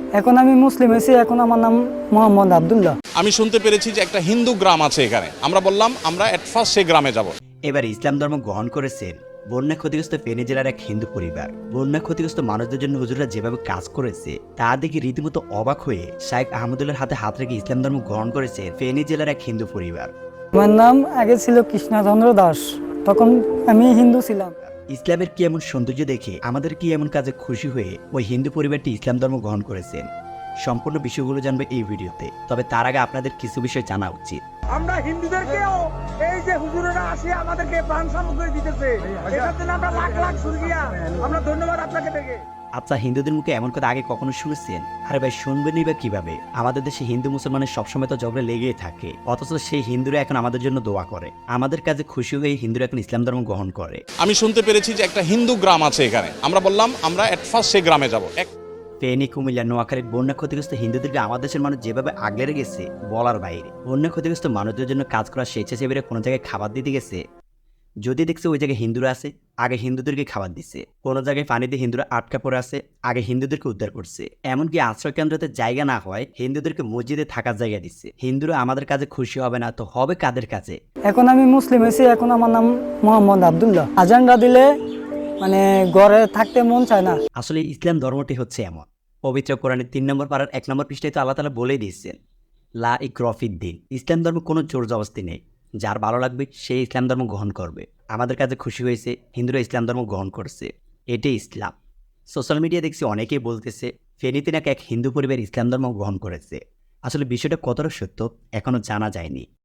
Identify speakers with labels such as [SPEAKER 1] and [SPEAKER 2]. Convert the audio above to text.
[SPEAKER 1] এখন আমি মুসলিম হয়েছি, এখন আমার নাম মোহাম্মদ আব্দুল্লাহ।
[SPEAKER 2] আমি শুনতে পেরেছি যে একটা হিন্দু গ্রাম আছে এখানে। আমরা বললাম আমরা এট ফার্স্ট সেই গ্রামে যাব।
[SPEAKER 3] এবার ইসলাম ধর্ম গ্রহণ করেছেন বন্যা ক্ষতিগ্রস্ত ফেনী জেলার এক হিন্দু পরিবার। বন্যা ক্ষতিগ্রস্ত মানুষদের জন্য হুজুররা যেভাবে কাজ করেছে তা দেখে রীতিমতো অবাক হয়ে শাইখ আহমদুল্লাহর হাতে হাত রেখে ইসলাম ধর্ম গ্রহণ করেছে ফেনী জেলার এক হিন্দু পরিবার।
[SPEAKER 1] আমার নাম আগে ছিল কৃষ্ণচন্দ্র দাস, তখন আমি হিন্দু ছিলাম।
[SPEAKER 3] ইসলামের কি এমন সৌন্দর্য দেখে আমাদের কি এমন কাজে খুশি হয়ে ওই হিন্দু পরিবারটি ইসলাম ধর্ম গ্রহণ করেছেন? সম্পূর্ণ বিষয়গুলো জানবে এই ভিডিওতে। তবে তার আগে আপনাদের কিছু বিষয় জানা উচিত।
[SPEAKER 4] আমরা হিন্দুদেরকেও এই যে হুজুরেরা আসে আমাদেরকে প্রাণ সামগ্রী দিতেছে, এটার জন্য আমরা লাখ লাখ শুকরিয়া, আমরা ধন্যবাদ আপনাকে থেকে।
[SPEAKER 3] আচ্ছা, হিন্দুদের মুখে এমন কথা আগে কখনো শুনেছেন? আরে ভাই, শুনবেনই বা কিভাবে? আমাদের দেশে হিন্দু মুসলমানের সবসময় তো ঝগড়া লেগেই থাকে, অথচ সেই হিন্দুরা এখন আমাদের জন্য দোয়া করে। আমাদের কাছে খুশি হয়ে হিন্দুরা এখন ইসলাম ধর্ম গ্রহণ করে।
[SPEAKER 2] আমি শুনতে পেরেছি যে একটা হিন্দু গ্রাম আছে এখানে। আমরা বললাম আমরা এট ফার্স্ট সেই গ্রামে যাব।
[SPEAKER 3] ফেনী, কুমিল্লা, নোয়াখালীর বন্যা ক্ষতিগ্রস্ত হিন্দুদেরকে আমাদের দেশের মানুষ যেভাবে আগলে রেখেছে বলার বাইরে। বন্যা ক্ষতিগ্রস্ত মানুষদের জন্য কাজ করা স্বেচ্ছাসেবীরা কোনো জায়গায় খাবার দিতে গেছে, যদি দেখছে ওই জায়গায় হিন্দুরা আছে, আগে হিন্দুদেরকে খাবার দিচ্ছে। কোনো জায়গায় পানিতে হিন্দুরা আটকা পড়ে আছে, আগে হিন্দুদেরকে উদ্ধার করছে। এমনকি আশ্রয় কেন্দ্রতে জায়গা না হয় হিন্দুদেরকে মসজিদে থাকার জায়গা দিচ্ছে। হিন্দুরা আমাদের কাছে খুশি হবে না তো হবে কাদের কাছে?
[SPEAKER 1] এখন আমি মুসলিম হয়েছি, এখন আমার নাম মোহাম্মদ আব্দুল্লাহ। আজানরা দিলে মানে ঘরে থাকতে মন চায় না।
[SPEAKER 3] আসলে ইসলাম ধর্মটি হচ্ছে এমন। পবিত্র কোরআনের 3 নম্বর পারার 1 নম্বর পৃষ্ঠায় তো আল্লাহ তাআলা বলেই দিয়েছেন, লা ইকরাফিদ দিন। ইসলাম ধর্ম কোনো জোর জবরদস্তি নেই। যার ভালো লাগবে সেই ইসলাম ধর্ম গ্রহণ করবে। আমাদের কাছে খুশি হয়েছে হিন্দুরা ইসলাম ধর্ম গ্রহণ করছে, এটাই ইসলাম। সোশ্যাল মিডিয়া দেখছি অনেকেই বলতেছে ফেনীতে নাকি এক হিন্দু পরিবার ইসলাম ধর্ম গ্রহণ করেছে। আসলে বিষয়টা কতটা সত্য এখনো জানা যায়নি।